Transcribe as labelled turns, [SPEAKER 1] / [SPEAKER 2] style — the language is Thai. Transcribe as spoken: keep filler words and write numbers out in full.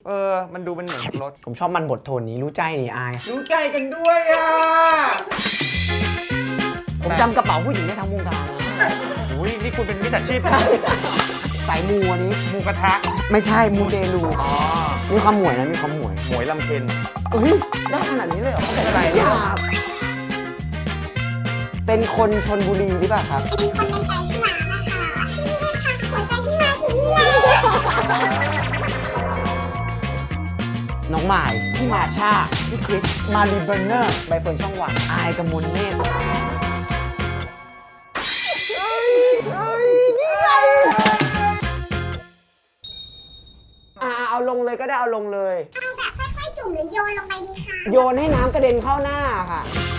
[SPEAKER 1] เออมันดูเป็นเหมือนรถ
[SPEAKER 2] ผมชอบมันบทโทนนี้รู้ใจนี่อาย
[SPEAKER 1] รู้ใจกันด้วยอ่ะ
[SPEAKER 2] ผมจำกระเป๋าผู้หญิงได้ทั้งวงการนะ
[SPEAKER 1] อุ้ยนี่คุณเป็นมิจฉาชีพ
[SPEAKER 2] สายมูอันนี้
[SPEAKER 1] หมูกระทะ
[SPEAKER 2] ไม่ใช่มูเตลู
[SPEAKER 1] อ๋อ
[SPEAKER 2] มีความหมวยนะมีความหมวย
[SPEAKER 1] หมวยลำเค็ญ
[SPEAKER 2] เอ้ยได้ขนาดนี้เลยเหรอ
[SPEAKER 1] ไม่เป็นไร
[SPEAKER 2] ยากเป็นคนชนบุรีหรือเปล่าครับ
[SPEAKER 3] เป็นคนในใจพี่มานะคะนี่ค่ะหัวใจพี่มาถึงนี่เลย
[SPEAKER 2] น้องหมายพี่มาชาพี่คริสมารีเบอร์เนอร์ใบเฟิร์นช่องวันอายกมลเนตรเฮ้ยเฮ้ยนี่ไงอ่าเอาลงเลยก็ได้เอาลงเลย
[SPEAKER 3] เอาแบบค่อยๆจุ่มหรือโยนลงไปดีคะ
[SPEAKER 2] โยนให้น้ำกระเด็นเข้าหน้าค่ะ
[SPEAKER 3] โ